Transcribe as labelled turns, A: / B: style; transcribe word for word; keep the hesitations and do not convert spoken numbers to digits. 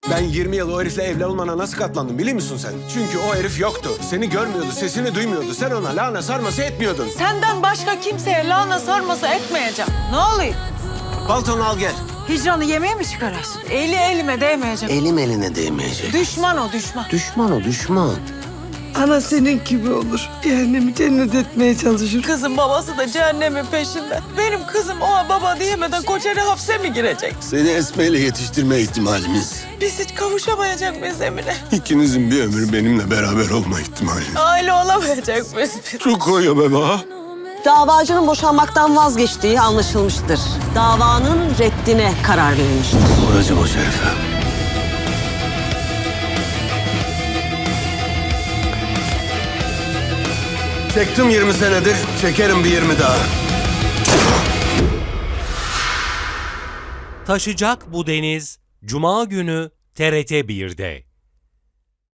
A: Ben yirmi yıl o herifle evli olmana nasıl katlandım biliyor musun sen? Çünkü o herif yoktu. Seni görmüyordu, sesini duymuyordu. Sen ona lahana sarması etmiyordun.
B: Senden başka kimseye lahana sarması etmeyeceğim. Ne oluyor?
A: Paltonu al gel.
B: Hicranı yemeğe mi çıkarasın? Eli elime değmeyecek.
C: Elim eline değmeyecek.
B: Düşman o düşman.
C: Düşman o düşman.
D: Ana senin gibi olur. Cehennemi cennet etmeye çalışır.
B: Kızın babası da cehennemin peşinde. Benim kızım o baba diyemeden koçeri hapse mi girecek?
A: Seni Esme ile yetiştirme ihtimalimiz.
B: Biz hiç kavuşamayacak mıyız Emine?
A: İkinizin bir ömür benimle beraber olma ihtimali.
B: Aile olamayacak mıyız biz?
A: Çok koyuyor be baba.
E: Davacının boşanmaktan vazgeçtiği anlaşılmıştır. Davanın reddine karar verilmiştir.
C: Vuracağım o şerife.
A: Çektim yirmi senedir, çekerim bir yirmi daha.
F: Taşacak bu deniz Cuma günü T R T bir'de.